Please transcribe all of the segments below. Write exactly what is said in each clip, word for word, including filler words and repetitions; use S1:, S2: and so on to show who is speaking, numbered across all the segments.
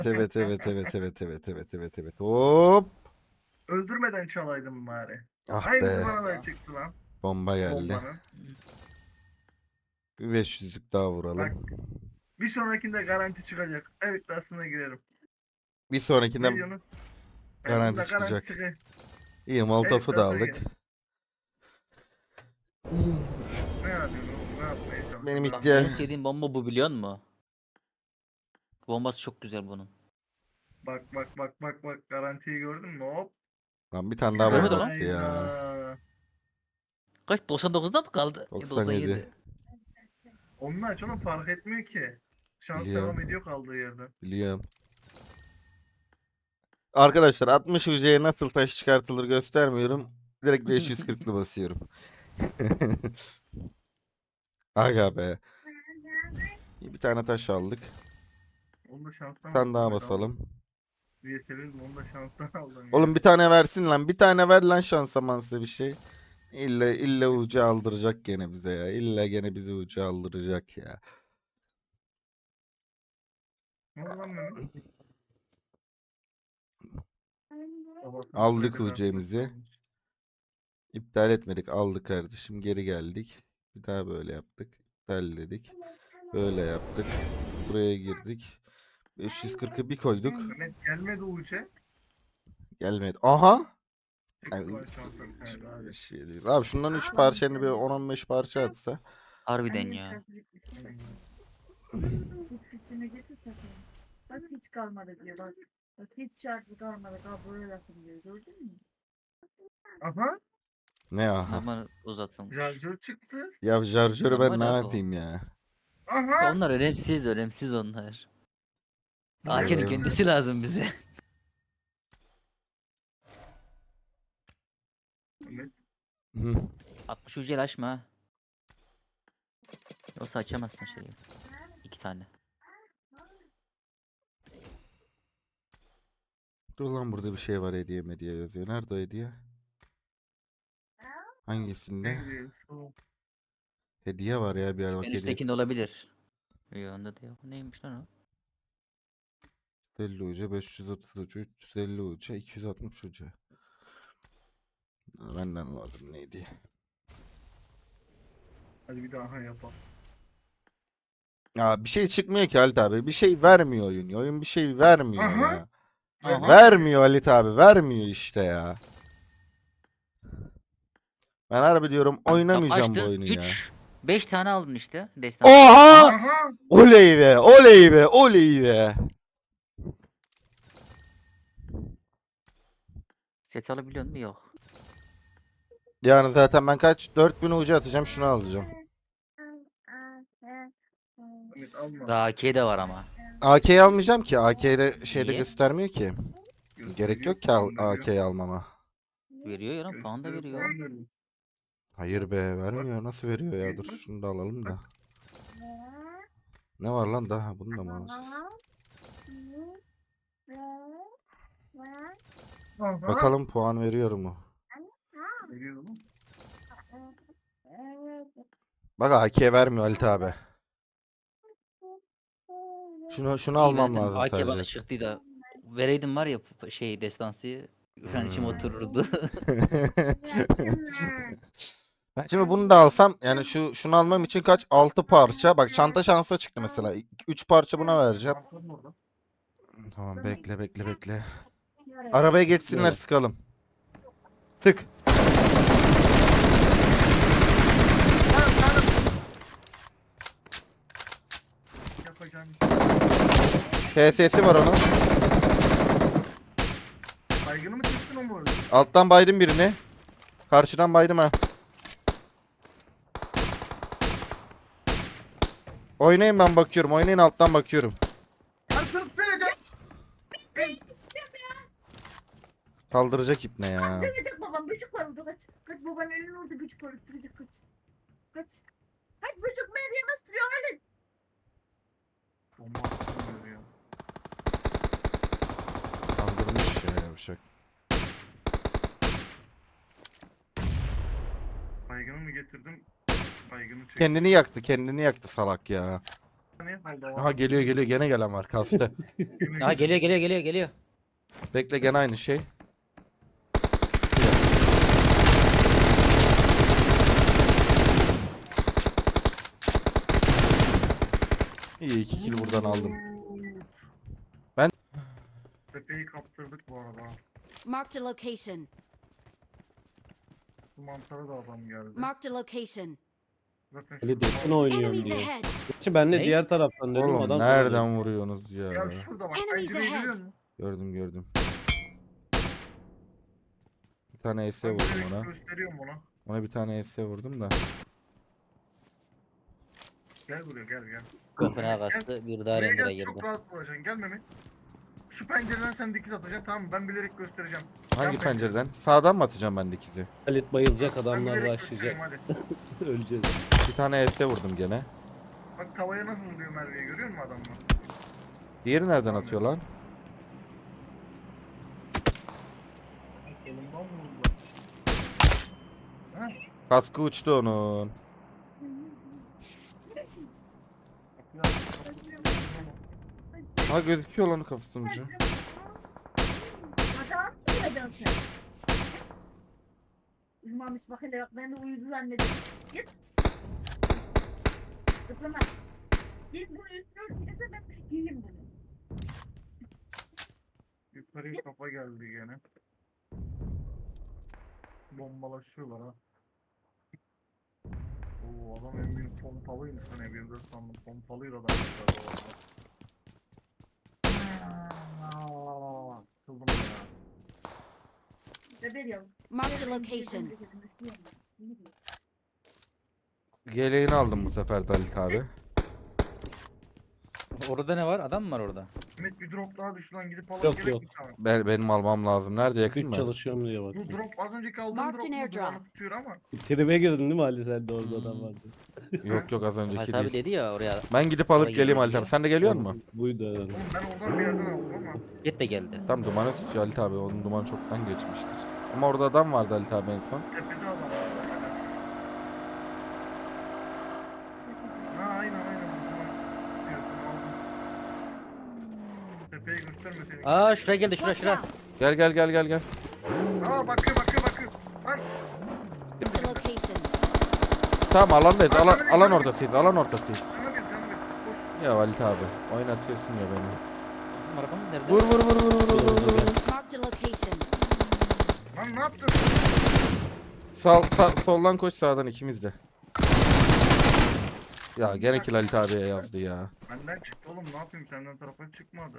S1: evet evet evet evet evet evet evet evet. Hop.
S2: Öldürmeden çalaydım bari.
S1: Ah
S2: Aynısı
S1: be.
S2: bana da çıktı lan.
S1: Bomba geldi.
S2: Bombanın.
S1: Bir beş yüzlük daha vuralım.
S2: Bak bir sonrakinde garanti çıkacak. Evet aslında girerim.
S1: Bir sonrakinde
S2: Ne diyorsun? Yani
S1: garanti
S2: bunda garanti
S1: çıkacak.
S2: çıkacak.
S1: İyi,
S2: Evet
S1: Molotov'u da
S2: aslında
S1: aldık.
S2: girerim. Ne yapıyorsun oğlum? Ne yapmaya
S1: Benim
S2: çalışıyorsun?
S3: Bak
S2: Anlamadım.
S3: en
S1: iddia...
S3: sevdiğim bomba bu biliyor musun? Bombası çok güzel bunun.
S2: Bak bak bak bak bak garantiyi gördün mü? Hop.
S1: Lan bir tane daha bomba
S3: Görmedim lan.
S1: attı ya.
S2: Hayda.
S3: Kaç doksan dokuzda mı kaldı? E,
S1: doksan yedi.
S3: doksan yedi.
S2: Onun aç oğlum fark etmiyor ki. Şans devam
S1: Biliyorum.
S2: ediyor kaldığı yerden.
S1: Biliyorum. Arkadaşlar altmış U C'ye nasıl taş çıkartılır göstermiyorum. Direkt beş yüz kırklı basıyorum. Aga be. İyi, bir tane taş aldık.
S2: Onu da
S1: Bir
S2: şanstan
S1: tane
S2: aldım
S1: daha
S2: bedava.
S1: basalım.
S2: Diye sevindim onu da şanstan aldım
S1: Oğlum
S2: yani.
S1: bir tane versin lan. Bir tane ver lan şansa mansa bir şey. İlla illa ucu aldıracak gene bize ya. İlla gene bizi ucu aldıracak ya.
S2: Ne oldu lan Mehmet? Babasının
S1: Aldık
S2: kredi kartını
S1: U C'mizi.
S2: çalmış.
S1: İptal etmedik. Aldık kardeşim. Geri geldik. Bir daha böyle yaptık. İptal dedik. Böyle yaptık. Buraya girdik. beş yüz kırkı bir koyduk.
S2: Mehmet gelmedi Uğur'ca.
S1: Gelmedi. Aha! Ay,
S2: Çıktı lan şansa bir tane daha.
S1: bir şey değil. Abi şundan üç parçanı bir on on beş parça atsa.
S3: Harbiden ya.
S4: Üstüne getir takayım. Bak hiç kalmadı diyor bak. Bak hiç çarpı kalmadı. Daha böyle lafım diyor. Gördün mü?
S2: Aha.
S1: Ne aha?
S3: Normal uzatılmış.
S2: Şarjör çıktı.
S1: Ya şarjörü ben ne
S3: Normal abi o.
S1: yapayım ya?
S2: Aha.
S3: Onlar önemsiz önemsiz onlar.
S2: Bu
S3: A K'nin
S1: Evet.
S3: kendisi lazım bize.
S2: Mehmet.
S1: Hı.
S3: altmış ucuyla açma ha. Yoksa açamazsın şeyi. İki tane.
S1: Dur lan, burada bir şey var, hediye hediye yazıyor. Nerede o hediye? Hangisinde?
S2: Ne diyor? Şu.
S1: Hediye var ya, bir yer bak
S3: En
S1: hediye.
S3: üsttekinde olabilir. Yok onda da yok. Neymiş lan o?
S1: üç yüz elli uca, beş yüz otuz uca, üç yüz elli uca, iki yüz altmış uca. Benden lazım neydi?
S2: Hadi bir daha yapalım.
S1: Ya bir şey çıkmıyor ki Halit abi. Bir şey vermiyor oyun. Oyun bir şey vermiyor
S2: Aha.
S1: ya.
S3: Aha.
S1: Vermiyor Halit abi. Vermiyor işte ya. Ben harbi diyorum oynamayacağım bu oyunu ya.
S3: üç beş tane aldın işte. Destan.
S1: Oha!
S2: Aha.
S1: Oley be! Oley be! Oley be!
S3: Set alabiliyor musun? Yok.
S1: Yani zaten ben kaç? dört bin ucu atacağım, şunu alacağım.
S2: Mehmet alma.
S3: Daha A K de var ama.
S1: A K'yi almayacağım ki. A K'de şeyde
S3: Niye?
S1: göstermiyor ki. Gerek yok ki al-
S2: Gösteriyor, puan veriyor.
S1: A K'yi almama.
S3: Veriyor ya. Puan da
S2: Gösteriyor,
S3: veriyor.
S2: puan veriyor.
S1: Hayır be, vermiyor. Nasıl veriyor ya? Dur şunu da alalım da. Ne var lan daha? Bunu da mı alacağız?
S2: Aha.
S1: Bakalım puan veriyor mu?
S2: Veriyor mu?
S1: Bak A K vermiyor Halit abi. Şunu şunu
S3: İyi
S1: almam
S3: verdim.
S1: lazım
S3: A K bana
S1: sadece.
S3: çıktı da. Vereydim var ya şey destansı. Şu an içim
S1: Hmm.
S3: otururdu.
S1: Ben şimdi bunu da alsam, yani şu şunu almam için kaç? altı parça. Bak çanta şansa çıktı mesela. üç parça buna vereceğim.
S2: Aferin orada.
S1: Tamam, bekle bekle bekle. Arabaya geçsinler,
S3: Evet.
S1: sıkalım. Tık.
S2: Yapacağım iş.
S1: P S'si var onun.
S2: Saygını mı çektin o mu öyle?
S1: Alttan baydım birini. Karşıdan baydım ha. Oynayın, ben bakıyorum. Oynayın, alttan bakıyorum.
S2: Ben sırf söyleyeceğim.
S1: Kaldıracak ipne ya.
S4: Öldürecek babam. Böcük var orada kaç. Kaç babanın elini orada böcük var. Öldürecek kaç. Kaç. Kaç böcük Meryem ıstırıyor öyle.
S2: Bomba atıyor ya.
S1: Kaldırmış ya yavşak.
S2: Baygını mı getirdim? Baygını çektim.
S1: Kendini yaktı, kendini yaktı salak ya.
S2: Ne oldu?
S1: Aha geliyor geliyor gene gelen var kastı.
S3: Ha geliyor geliyor geliyor geliyor.
S1: Bekle gene aynı şey. İyi iki kill buradan aldım. Ben-
S2: Tepeyi kaptırdık bu arada.
S5: Marked a location.
S2: Bu mantara da adam geldi.
S5: Marked a location.
S2: Zaten
S6: Ali
S2: şurada
S6: Desin
S2: var.
S6: oynuyorum
S5: Enemies
S6: diyor.
S5: ahead.
S6: Gerçi ben de
S3: Ne?
S6: diğer taraftan dedim
S1: Oğlum
S6: adam
S1: nereden
S6: söyledi.
S1: vuruyorsunuz ya?
S2: Ya şurada bak.
S5: Enemies
S2: Pencereyi
S5: ahead.
S2: görüyor musun?
S1: Gördüm gördüm. Bir tane E S
S2: Ben
S1: vurdum
S2: direkt
S1: ona.
S2: gösteriyorum ona.
S1: Ona bir tane E S vurdum da.
S2: Gel buraya gel gel.
S3: Köpüne kaçtı. Bir daha
S2: Buraya
S3: rengine
S2: gel çok
S3: girdi.
S2: rahat vuracaksın. Gel Mehmet. Şu pencereden sen dikiz atacaksın tamam mı? Ben bilerek göstereceğim.
S1: Hangi
S2: Yan
S1: pencereden? Sağdan mı atacağım ben dikizi?
S6: Halit bayılacak
S2: Ben
S6: adamlar
S2: bilerek
S6: başlayacak.
S2: göstereyim hadi.
S6: Öleceğiz.
S1: Bir tane E S vurdum gene.
S2: Bak tavaya nasıl vuruyor Merve'yi görüyor musun adamlar?
S1: Diğeri nereden atıyor lan?
S2: Solundan vurdu. Ha?
S1: Kaskı uçtu onun.
S2: Bak ya.
S1: Ha gözüküyor lan kafasının ucu.
S4: Adam uyuyacaksın sen. Uyumamış bak hele bak ben de uyudu zannettim. Git. Kızım bak. Git bunu üstüne gidese ben giyeyim bunu.
S2: Yukarıya kafa geldi gene. Bombalaşıyorlar ha. Oo adam en büyük pompalıymış hani M yirmi dört sandım. Pompalıydı adam yukarıda valla. Sıkıldım ya.
S4: Bebeğim.
S5: Marked a location.
S1: Yeleğini aldım bu sefer Dalit abi.
S3: Orada ne var? Adam mı var orada?
S2: Mehmet bir drop daha düş lan gidip alalım
S6: Yok,
S2: gerek
S6: yok.
S2: mi sana?
S1: Ben, benim almam lazım. Nerede yakın
S6: Güç
S1: mı?
S6: çalışıyorum diye bak.
S2: Bu drop az önceki aldığım
S5: Marked
S2: drop
S5: an
S2: mu
S5: airdrop.
S2: duvarı tutuyor ama.
S6: Tribe girdin değil mi Ali sen de orada
S3: Hmm.
S6: adam vardı.
S1: Yok yok az
S3: Halit
S1: önceki
S3: abi
S1: değil.
S3: dedi ya oraya.
S1: Ben gidip alıp
S3: Oraya
S1: geleyim
S3: geliyor
S1: Halit abi.
S3: diye.
S1: Sen de geliyor musun?
S6: Buydu herhalde.
S2: Oğlum ben oradan bir yerden aldım ama.
S3: Git de geldi.
S1: Tam dumanı tutuyor Halit abi. Onun dumanı çoktan geçmiştir. Ama orada adam vardı Halit abi en son.
S2: Tepede adam var. Ha aynen aynen. Diyorsun aldım. Tepeyi göstermeseydin.
S3: Aa şuraya geldi şura
S5: Watch
S3: şura.
S5: out.
S1: Gel gel gel gel gel.
S2: Aa bakıyor bakıyor bakıyor. Lan
S5: Marked a location.
S1: Tamam alandayız. Alan,
S2: Arkada bir-
S1: alan ortasıyız. Alan ortasıyız.
S2: sana bir canım bir. Koş.
S1: Ya Halit abi. Oynatıyorsun ya beni.
S3: Bizim arabamız nerede?
S1: Vur vur vur vur vur vur vur. vur.
S5: Marked a location.
S2: Lan ne yaptın?
S1: Sağ, sağ, soldan koş sağdan ikimiz de. Ya gene kill Halit abiye yazdı ya.
S2: Benden çıktı oğlum ne yapayım senden tarafa çıkmadı.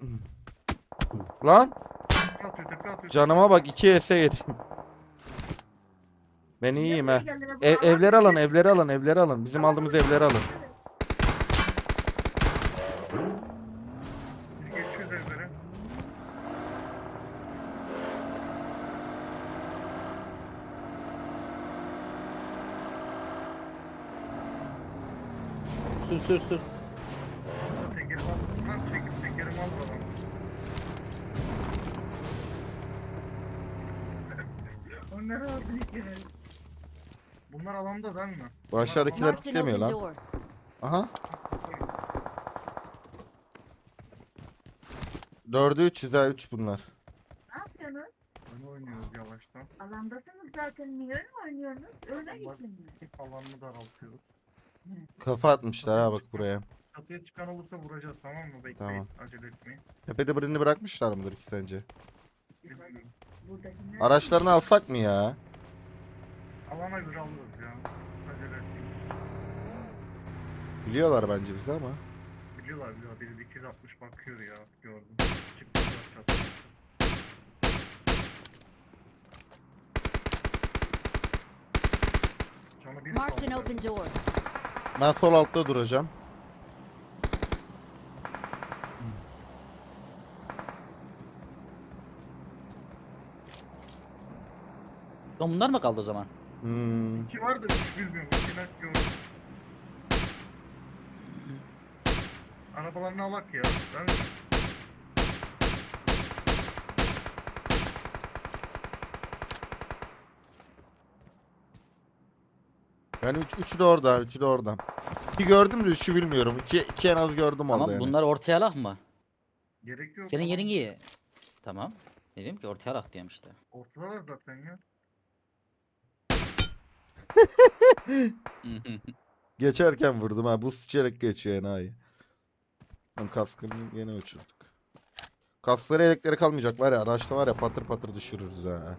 S1: Lan
S2: Tepe atıyor tepe atıyor.
S1: canıma bak iki E S yedim. Ben iyiyim he. Ev, evleri alın evleri alın evleri alın. Bizim aldığımız evleri alın.
S2: Biz geçiyoruz evlere.
S6: Sür sür sür.
S2: Tekerimi al. Lan çekip tekerimi al adam. O ne rahat bir kere. Bunlar alanda değil mi?
S1: Bu aşağıdakiler
S5: Marked an
S1: kitlemiyor
S5: open
S1: lan.
S5: door.
S1: Aha. Dördü üç yüz ha üç bunlar.
S4: Ne yapıyorsunuz?
S2: Oyun oynuyoruz yavaştan.
S4: Alandasınız zaten. Niye öyle oynuyorsunuz? Öyle geçin mi?
S2: Alanını daraltıyoruz.
S1: Kafa atmışlar ha bak buraya.
S2: Çatıya çıkan olursa vuracağız tamam mı? Bekleyin.
S1: Tamam.
S2: Acele etmeyin.
S1: Tepede birini bırakmışlar mıdır ki sence?
S2: Bilmiyorum.
S4: Buradakiler.
S1: Araçlarını alsak mı ya?
S2: Alana göre alırız ya. Acele etmeyin.
S1: Biliyorlar bence bizi ama.
S2: Biliyorlar biliyorlar. Biri iki yüz altmış bakıyor ya. Gördüm. Çıktılar çatıya. Canı bir
S5: Marked an
S2: kaldı.
S5: open door.
S1: Ben sol altta duracağım.
S3: Lan bunlar mı kaldı o zaman?
S1: Hmm.
S2: İki var da üç bilmiyorum. İki net gördüm. Arabalarını alak ya. Ben
S1: Yani üç, üçü de orada, üçü de orada. İki gördüm de üçü bilmiyorum. İki, iki en az gördüm orada
S3: Tamam
S1: yani.
S3: bunlar ortaya alak mı?
S2: Gerek yok.
S3: Senin
S2: tamam.
S3: yerin iyi. Tamam. Dedim ki ortaya alak diyorum işte.
S2: Ortadalar zaten ya.
S1: Geçerken vurdum ha. Buz içerek geçiyor enayi. Lan kaskını yine uçurduk. Kaskları elekleri kalmayacak var ya. Araçta var ya patır patır düşürürüz ha.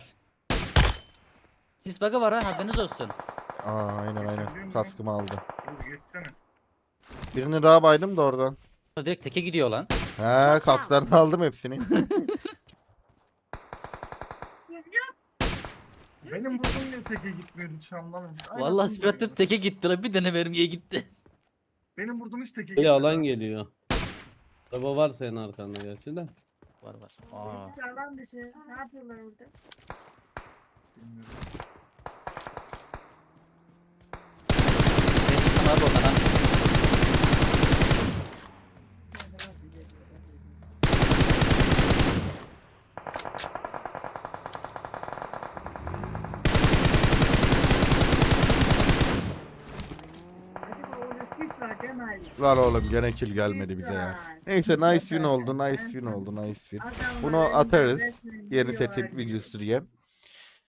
S3: Sis bug'ı var ha haberiniz olsun.
S1: Aa aynen aynen. Kaskımı aldı.
S2: Dur geçsene.
S1: Birini daha baydım da oradan.
S3: Direkt teke gidiyor lan.
S1: He kasklarını aldım hepsini.
S2: Benim vurduğum niye teke gitmiyordu hiç anlamadım. Aynen
S3: Vallahi
S2: bunu
S3: spiratim
S2: diyorum.
S3: teke gitti lan bir tane mermiye gitti.
S2: Benim vurduğum hiç teke
S6: Böyle
S2: gitmedi.
S6: alan
S2: ha.
S6: geliyor. Araba var senin arkanda gerçi de.
S3: Var var. Aa.
S4: Sağlam dışı. Ne yapıyorlar orada?
S2: Bilmiyorum.
S3: Ben çıksam abi oradan ha.
S4: Acaba orada sis var değil mi Ali?
S1: Lan oğlum gene kill gelmedi bize ya.
S4: Var.
S1: Neyse nice win oldu nice win oldu nice win.
S4: Adamlar
S1: Bunu
S4: önce
S1: atarız.
S4: resmen
S1: Yeni
S4: gidiyorlar
S1: set
S4: gibi.
S1: videosu diye.